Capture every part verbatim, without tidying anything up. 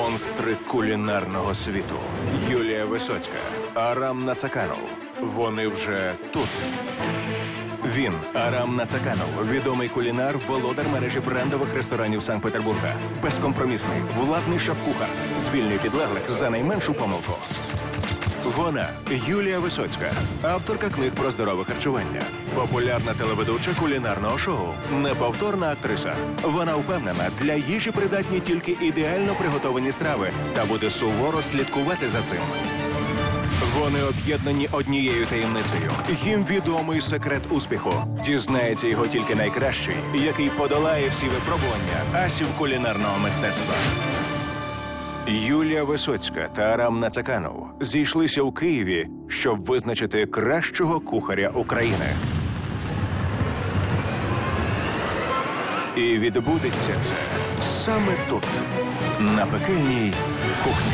Монстри кулінарного світу. Юлія Висоцька, Арам Нацаканов. Вони вже тут. Він, Арам Нацаканов, відомий кулінар, володар мережі брендових ресторанів Санкт-Петербурга. Безкомпромісний, владний шеф-кухар. Звільнює підлеглих за найменшу помилку. Вона – Юлія Висоцька, авторка книг про здорове харчування, популярна телеведуча кулінарного шоу, неповторна актриса. Вона впевнена, для їжі придатні тільки ідеально приготовані страви та буде суворо слідкувати за цим. Вони об'єднані однією таємницею. Їм відомий секрет успіху. Дізнається його тільки найкращий, який подолає всі випробування асів кулінарного мистецтва. Юлія Висоцька та Арам Нацаканов зійшлися у Києві, щоб визначити кращого кухаря України. І відбудеться це саме тут, на пекельній кухні.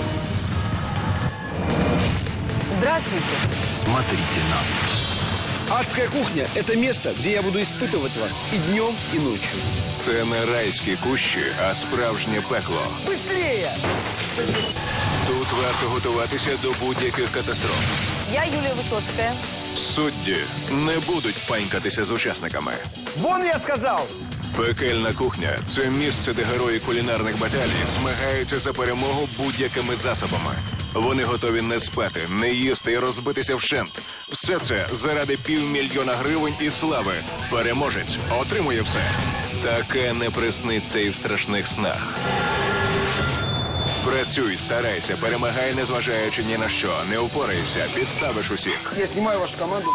Здравствуйте. Смотрите нас. Адская кухня – это место, где я буду испытывать вас и днем, и ночью. Це не райські кущі, а справжнє пекло. Быстрее! Тут варто готуватися до будь-яких катастроф. Я Юлия Высоцкая. Судді не будуть панькатися з учасниками. Вон я сказал! Пекельна кухня – це місце, де герої кулінарних баталій змагаються за перемогу будь-якими засобами. Вони готові не спати, не їсти і розбитися вщент. Все це заради півмільйона гривень і слави. Переможець отримує все. Таке не присниться і в страшних снах. Працюй, старайся, перемагай, незважаючи ні на що. Не упорайся, підставиш усіх. Я снимаю вашу команду.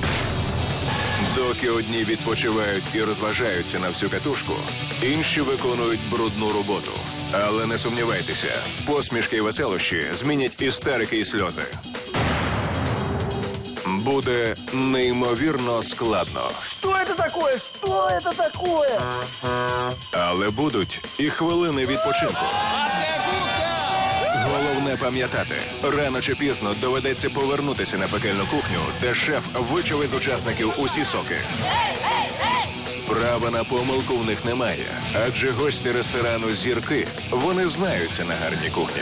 Доки одні відпочивають і розважаються на всю катушку, інші виконують брудну роботу. Але не сумнівайтеся, посмішки і веселощі змінять істерики і сльози. Буде неймовірно складно. Что это такое? Что это такое? Але будуть і хвилини відпочинку. Головне пам'ятати, рано чи пізно доведеться повернутися на пекельну кухню, де шеф вичаве з учасників усі соки. Права на помилку в них немає, адже гості ресторану «Зірки», вони знаються на гарній кухні.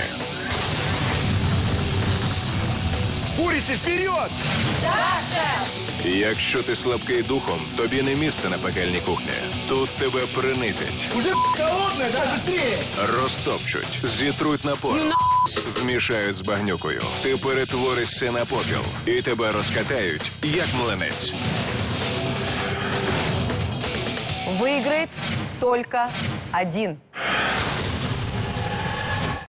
Курицы, вперед! Якщо ти слабкий духом, тобі не місце на пекельній кухні. Тут тебе принизять. Уже холодная, давай быстрее! Розтопчуть, зітруть на порох, змішають з багнюкою. Ти перетворишся на попіл і тебе розкатають, як млинець. Выиграет только один.